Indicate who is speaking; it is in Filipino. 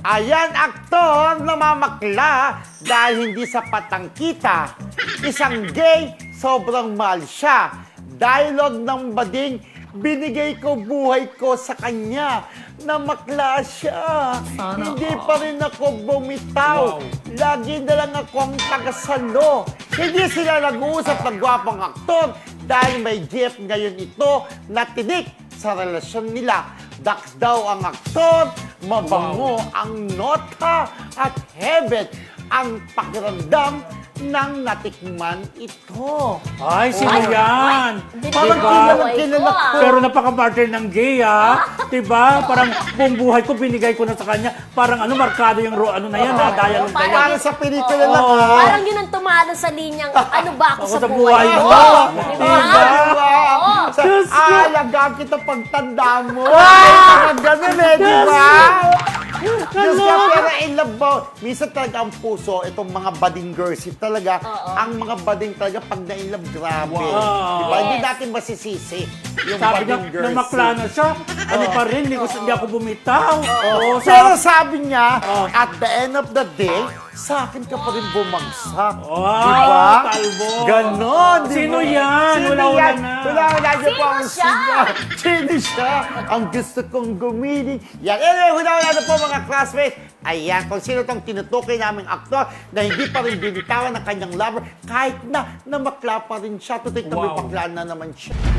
Speaker 1: Ayan, aktor na mamakla dahil hindi sapat ang kita. Isang gay, sobrang mahal siya. Dialogue ng bading, binigay ko buhay ko sa kanya. Namakla siya. Hindi pa rin ako bumitaw. Lagi na lang ako ang tagasalo. Hindi sila nag-uusap ng gwapong aktor dahil may GF ngayon ito na tinik sa relasyon nila. Dax daw ang aktor, mabango ang nota at heaven ang pakiramdam ng natikman ito.
Speaker 2: Ay, sino yan?
Speaker 1: Parang kilala ko.
Speaker 2: Pero napaka-partner ng gay, ha? Diba? Parang buong buhay ko, binigay ko na sa kanya. Parang markado yung ano na yan, ha? Dialogue na yan.
Speaker 1: Parang sa pelikula lang,
Speaker 2: Oo.
Speaker 1: ha?
Speaker 3: Parang yun ang tumalo sa linyang, ano ba ako sa
Speaker 2: Sa
Speaker 3: buhay
Speaker 2: buhay
Speaker 3: mo?
Speaker 2: mo.
Speaker 3: Diba?
Speaker 1: Sa
Speaker 2: Diyos ko.
Speaker 1: alagaan kita pagtanda mo. Mga ganun eh, di ba? Diyos ka, pero in love ba? Minsan talaga ang puso, itong mga budding girls, talaga, ang mga budding talaga, pag na-in love, grabe.
Speaker 2: Wow.
Speaker 1: Diba? Hindi
Speaker 3: Yes.
Speaker 1: natin masisisi yung
Speaker 2: Sabi niya,
Speaker 1: budding girls.
Speaker 2: namakla na siya. Ano pa rin, hindi ako bumitaw. Oo,
Speaker 1: Pero sabi niya,
Speaker 2: Oh.
Speaker 1: at the end of the day, sa akin ka pa rin bumagsak.
Speaker 2: Wow,
Speaker 1: Diba?
Speaker 2: talbo.
Speaker 1: Ganon, di
Speaker 2: Sino
Speaker 1: ba?
Speaker 2: yan?
Speaker 1: Sino
Speaker 2: Wala-wala
Speaker 1: yan?
Speaker 2: na.
Speaker 1: Wala-wala niyo
Speaker 3: Sino
Speaker 1: po ang
Speaker 3: siya?
Speaker 1: Sino siya? Ang gusto kong gumiling. Yan. Anyway, wala-wala na po mga classmates. Ayan, kung sino tong tinutukoy naming aktor na hindi pa rin binitawan ng kanyang lover kahit na namakla pa rin siya. Tutik na may
Speaker 2: Wow.
Speaker 1: paklaan na naman siya.